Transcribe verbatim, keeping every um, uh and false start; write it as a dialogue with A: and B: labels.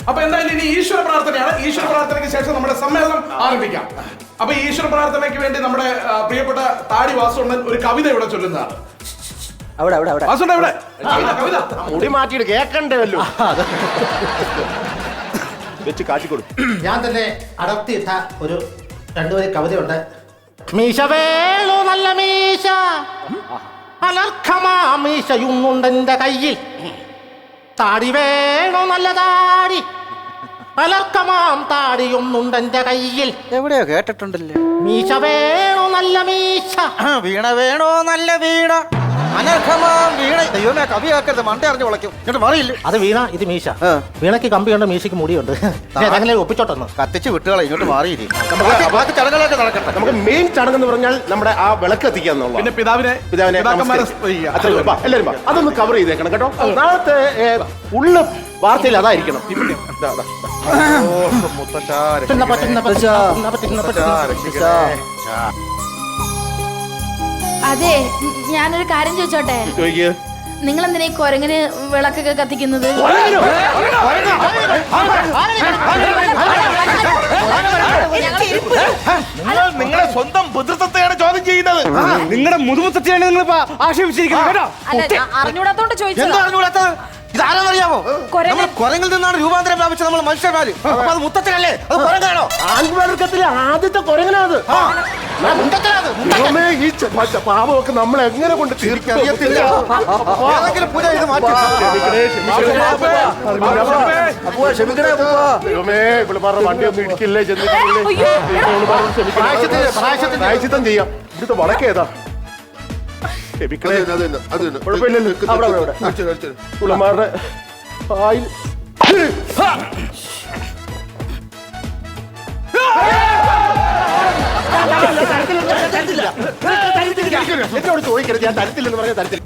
A: അപ്പൊ എന്തായാലും ഇനി ഈശ്വര പ്രാർത്ഥനയാണ്. ഈശ്വര പ്രാർത്ഥനയ്ക്ക് ശേഷം നമ്മുടെ സമ്മേളനം ആരംഭിക്കാം. അപ്പൊ ഈശ്വര പ്രാർത്ഥനയ്ക്ക് വേണ്ടി നമ്മുടെ ആ, പ്രിയപ്പെട്ട താടി വാസുണ്ണൻ ഒരു കവിത ഇവിടെ ചൊല്ലുന്നതാണ്.
B: അവിടെ അവിടെ അവിടെ
A: വാസുണ്ണൻ ഇവിടെ കവിത, കവിത.
C: മുടി മാറ്റിയിട്ട് കേക്കണ്ടല്ലോ. വെച്ച് കാട്ടിക്കൊടു.
D: ഞാൻ തന്നെ അടർത്തിയിട്ട ഒരു രണ്ടുപേര് കവിതയുണ്ട്. മീശ വേളു നല്ല മീശ, അലർക്കമാ മീശയുന്നുണ്ടെന്റെ കയ്യിൽ. താടി വേണോ നല്ല താടി, അലർക്കമാം താടിയൊന്നുണ്ടെന്റെ കയ്യിൽ.
B: എവിടെയോ കേട്ടിട്ടുണ്ടല്ലേ.
D: മീശ വേണോ നല്ല മീശ,
B: വീണ വേണോ നല്ല വീണ, അനർഹമാം വീണ. ദൈവമേ, കവി കേൾക്കരുത്, മണ്ട അറിഞ്ഞു വിളയ്ക്കും. ഇങ്ങോട്ട് മാറിയില്ല.
D: അത് വീണ, ഇത് മീശ. വീണയ്ക്ക് കമ്പിയുണ്ട്, മീശയ്ക്ക് മുടിയുണ്ട്. അങ്ങനെ ഒപ്പിച്ചോട്ടെന്ന്
B: കത്തിച്ച് വിട്ടുകളെ, ഇങ്ങോട്ട് മാറിയില്ലേ. ബാക്കി ചടങ്ങുകളൊക്കെ നടക്കട്ടെ.
C: നമുക്ക് മെയിൻ ചടങ്ങെന്ന് പറഞ്ഞാൽ നമ്മുടെ ആ വിളക്ക് എത്തിക്കുക എന്നുള്ളത്.
A: പിന്നെ പിതാവിനെ
C: പിതാവിനെ
A: പിതാക്കന്മാരെ
C: നമസ്കരിക്കുക. അത്രയേ ഉള്ളൂ. വാ, എല്ലാവരും വാ. അതൊന്ന് കവർ ചെയ്തേക്കണം കേട്ടോ. നാളത്തെ ഏ, ഉള്ള വാർത്തയിൽ അതായിരിക്കണം. ദാ, ദാ, ദാ. ഓ, മുത്തശ്ശാ,
D: പറ്റുന്ന പറ്റുന്ന പറ്റുന്ന പറ്റുന്ന പറ്റുന്ന
C: രക്ഷിക്കണേ.
E: അതെ, ഞാനൊരു കാര്യം ചോദിച്ചോട്ടെ.
C: ചോദിക്ക്.
E: നിങ്ങൾ എന്തിനാ ഈ കൊരങ്ങനെ വിളക്കൊക്കെ കത്തിക്കുന്നത്?
C: നിങ്ങൾ നിങ്ങളെ സ്വന്തം പിതൃത്വത്തെയാണ് ചോദ്യം ചെയ്യുന്നത്.
B: നിങ്ങളുടെ മുതുമുത്തച്ഛയാണ് നിങ്ങൾ ആക്ഷേപിച്ചിരിക്കുന്നത് കേട്ടോ.
E: അല്ല, ഞാൻ അറിഞ്ഞൂടാത്തോണ്ട്
B: എന്താ
E: ചോദിച്ചതാ.
B: അറിഞ്ഞുകൂടാത്തത്? ഇതാരെന്നറിയാമോ?
E: കൊരങ്ങൻ.
B: നമ്മൾ കുരങ്ങിൽ നിന്നാണ് രൂപാന്തരം പ്രാപിച്ചത് നമ്മൾ മനുഷ്യന്മാര്. അപ്പൊ അത് മുത്തച്ഛനല്ലേ? അത് കുരങ്ങാണോ?
C: ആൺവർഗത്തിലെ ആദ്യത്തെ കുരങ്ങനാത്. ദൈവമേ, ഈ ച- പ- പാപമൊക്കെ നമ്മൾ എങ്ങനെ കൊണ്ട് തീർക്കാൻ
B: അറിയത്തില്ല. ഏതെങ്കിലും പൂജ ഇത് മാറ്റി.
C: ദൈവമേ, ഇവിടെ പറഞ്ഞ വണ്ടി ഒന്നും ഇടിക്കില്ലേ, ചെന്നിട്ടില്ലേ?
E: അയ്യോ.
C: ഇവള് പറഞ്ഞ് ക്ഷമിക്കണം.
B: പ്രായശ്ചിത്തം, പ്രായശ്ചിത്തം.
C: പ്രായശ്ചിത്തം ചെയ്യാം. ഇവിടുത്തെ വളക്കേതാ? ക്ഷമിക്കണേ. കുഴപ്പമില്ലല്ലോ. അവിടെ, അവിടെ, അവിടെ. പുള്ളമാരുടെ ആയിൽ എന്നോട് ചോദിക്കരുത്, ഞാൻ തരത്തില്ലെന്ന് പറഞ്ഞാൽ തരത്തില്ല.